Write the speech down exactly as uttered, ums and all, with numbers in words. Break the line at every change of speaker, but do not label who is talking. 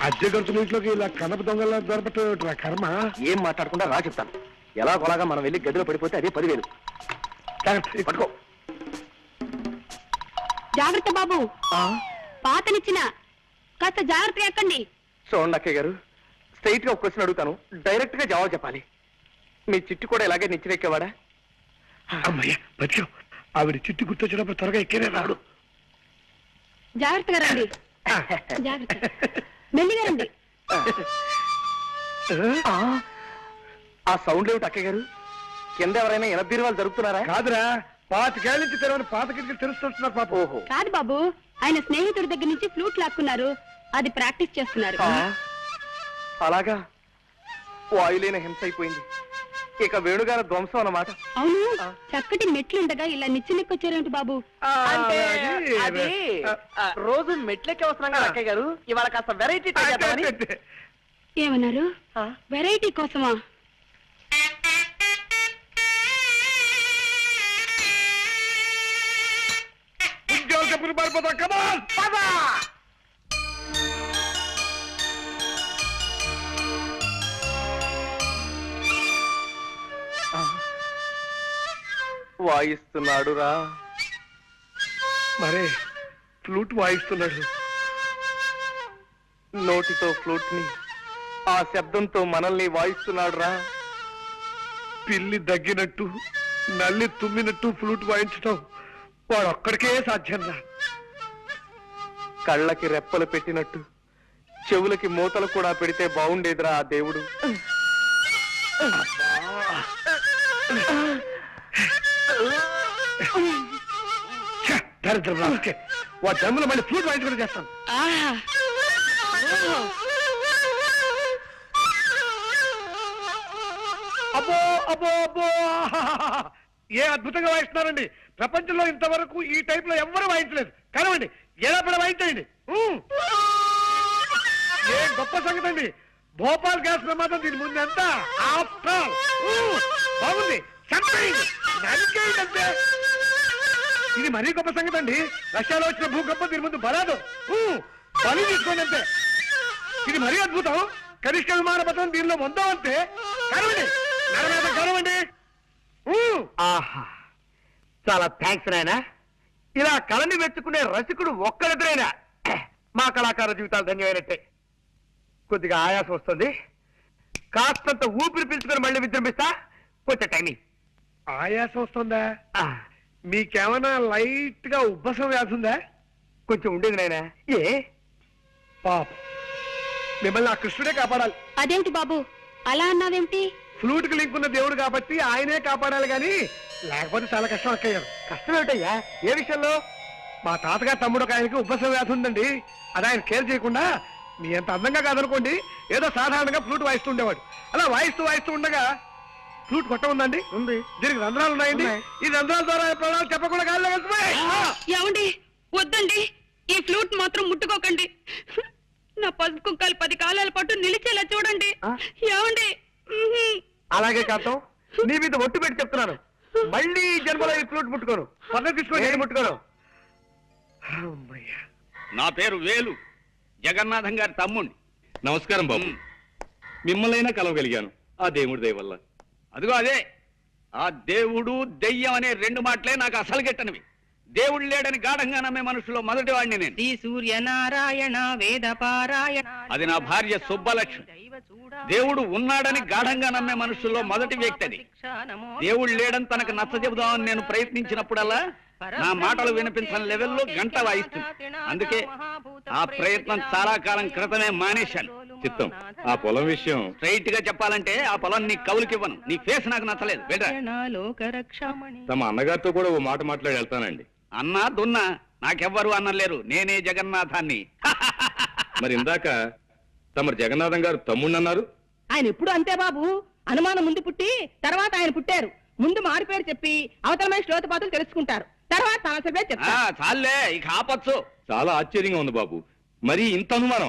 అద్దె గంతుల ఇంట్లోకి ఇలా కనప దొంగల దొరపట్టు కర్మ.
ఏం మాట్లాడకుండా రా చెప్తాను. ఎలా కొలాగా మనం వెళ్ళి గదిలో పడిపోతే అదే పదివేలు. పట్టుకో.
జాగ్రత్త బాబు, పాతనిచ్చిన కాస్త జాగ్రత్తగా ఎక్కండి.
చూడండి అక్కయ్య గారు, స్ట్రైట్ గా ఒక క్వశ్చన్ అడుగుతాను, డైరెక్ట్ గా జవాబు చెప్పాలి. మీ చిట్టు కూడా ఇలాగే నిచ్చినెక్కేవాడా?
అమ్మయ్య బతికావు. ఆవిడ చిట్టు గుర్తొచ్చినప్పుడు త్వరగా ఎక్కేనే రాడు.
జాగ్రత్తగా రండి, జాగ్రత్త, మెల్లిగా రండి.
ఆ సౌండ్ ఏమిటి అక్కయ్య గారు? కింద ఎవరైనా ఎనభై వాళ్ళు జరుగుతున్నారా?
కాదురా, పాతికేళ్ళ నుంచి తెరవని పాత కిటికీలు తెలుస్తున్నారు పాప.
ఓహో,
కాదు బాబు, ఆయన స్నేహితుడి దగ్గర నుంచి ఫ్లూట్ లాక్కున్నారు, అది ప్రాక్టీస్ చేస్తున్నారు.
అలాగా, వాయులేని హింస అయిపోయింది. ఇక వేణుగారి ధ్వంసం అన్నమాట.
అవును, చక్కటి మెట్లుండగా ఇలా నిచ్చినెక్కొచ్చారేంటి బాబు?
అంటే అది రోజు మెట్లెక్కి వస్తున్నాం కదా అక్కయ్య గారు, ఇవాళ కాస్త వెరైటీ
ఏమన్నారు? వెరైటీ కోసమా?
ఉద్యోగ పారిపోతా. కమాన్ పదా.
వాయిస్తున్నాడు రా.
మరే ఫ్లూట్ వాయిస్తున్నాడు.
నోటితో ఫ్లూట్ ని, ఆ శబ్దంతో మనల్ని వాయిస్తున్నాడు రా.
పిల్లి దగ్గినట్టు, నల్లి తుమ్మినట్టు ఫ్లూట్ వాయించటం వాడు ఒక్కడికే సాధ్యం రా.
కళ్ళకి రెప్పలు పెట్టినట్టు చెవులకి మూతలు కూడా పెడితే బాగుండేదిరా ఆ దేవుడు.
దరిద్రం రాకే, వా జమ్ములో మళ్ళీ ఫ్లూట్ వాయించుకుంటూ చేస్తాను. అబ్బో అబ్బో అబ్బో, ఏ అద్భుతంగా వాయిస్తున్నారండి. ప్రపంచంలో ఇంతవరకు ఈ టైప్ లో ఎవ్వరూ వాయించలేదు. కనవండి, ఎలా పడ వాయించండి. ఏ గొప్ప సంగతి అండి. భోపాల్ గ్యాస్ ప్రమాదం దీని ముందు ఎంత బాగుంది. అంతే, ఇది మరీ గొప్ప సంగతి అండి. రష్యాలో వచ్చిన భూకంపం దీని ముందు బలాదు. బలి తీసుకోండి అంతే. ఇది మరీ అద్భుతం. కనిష్ట విమాన పథకం దీనిలో వందో అంతే. కనవండి, కనవండి.
ఆహా, చాలా థ్యాంక్స్ నాయనా. ఇలా కళని మెచ్చుకునే రసికుడు ఒక్కరిద్దరైనా మా కళాకార జీవితాలు ధన్యమైనట్టే. కొద్దిగా ఆయాసం వస్తుంది, కాస్తంత ఊపిరి పీల్చుకొని మళ్ళీ విజృంభిస్తా. కొంచెం టైమింగ్.
ఆయాసం వస్తుందా? మీకేమైనా లైట్ గా ఉబ్బసం వ్యాధి ఉందా?
కొంచెం ఉండేది నాయనా. ఏ
పాప, మిమ్మల్ని ఆ కృష్ణుడే కాపాడాలి.
అదేమిటి బాబు అలా అన్నావేమిటి?
ఫ్లూట్ కి లింక్ ఉన్న దేవుడు కాబట్టి ఆయనే కాపాడాలి, గాని లేకపోతే చాలా కష్టం అక్కయ్యారు.
కష్టం ఏమిటయ్యా? ఏ విషయంలో?
మా తాతగారు తమ్ముడు ఒక ఆయనకి ఉబ్బసం వ్యాధి ఉందండి. అది ఆయన కేర్ చేయకుండా, మీ అంత అందంగా కాదనుకోండి, ఏదో సాధారణంగా ఫ్లూట్ వాయిస్తూ ఉండేవాడు. అలా వాయిస్తూ వాయిస్తూ ఉండగా ఫ్లూట్ కొట్ట ఉందండి, ఉంది. దీనికి రంధ్రాలు ఉన్నాయండి. ఈ రంధ్రాల ద్వారా ప్రాణాలు చెప్పకుండా గాల్లో వెళ్తున్నాయి.
ఏమండి, వద్దండి, ఈ ఫ్లూట్ మాత్రం ముట్టుకోకండి. నా పసుపు కుక్కలు పది కాలాల పాటు నిలిచేలా చూడండి. ఏమండి?
అలాగే కాంతం, నీ మీద ఒట్టు పెట్టి చెప్తున్నాను, మళ్ళీ జన్మలో ఈ ఫ్లూట్ ముట్టుకోను. పద్ధతి తీసుకోండి, ముట్టుకోను.
నా పేరు వేలు, జగన్నాథం గారి తమ్ముణ్ణి.
నమస్కారం బాబు. మిమ్మల్నైనా కలవగలిగాను ఆ దేవుడి దయ వల్ల.
అదిగో అదే, ఆ దేవుడు దెయ్యం అనే రెండు మాటలే నాకు అసలు గిట్టనివి. దేవుడు లేడని గాఢంగా నమ్మే మనుషులో మొదటి వాడిని నేను.
శ్రీ సూర్యనారాయణ వేద పారాయణ,
అది నా భార్య సుబ్బలక్ష్మి. దేవుడు ఉన్నాడని గాఢంగా నమ్మే మనుషుల్లో మొదటి వ్యక్తి అది. దేవుడు లేడని తనకు నచ్చ చెబుదామని నేను ప్రయత్నించినప్పుడల్లా నా మాటలు వినిపించని లెవెల్లో గంట వాయిస్తుంది. అందుకే ఆ ప్రయత్నం చాలా కాలం క్రితమే మానేశాను.
చిత్తం, ఆ పొలం విషయం
స్ట్రైట్ గా చెప్పాలంటే ఆ పొలం నీ కవులకివ్వను. నీ ఫేస్ నాకు నచ్చలేదు.
తమ అన్నగారితో కూడా ఓ మాట మాట్లాడి వెళ్తానండి.
అన్నా దున్నా నాకెవ్వరు అన్నలేరు, నేనే జగన్నాథాన్ని.
మరి ఇందాక తమరు జగన్నాథం గారు తమ్ముడు అన్నారు.
ఆయన ఎప్పుడు అంతే బాబు, అనుమానం ముందు పుట్టి తర్వాత ఆయన పుట్టారు. ముందు మారు పేరు చెప్పి అవతల మనిషి లోతుపాతులు తెలుసుకుంటారు, తర్వాత సమస్య పేరు చెప్తారు.
చాలే, ఇక ఆపచ్చు.
చాలా ఆశ్చర్యంగా ఉంది బాబు, మరి ఇంత అనుమానం.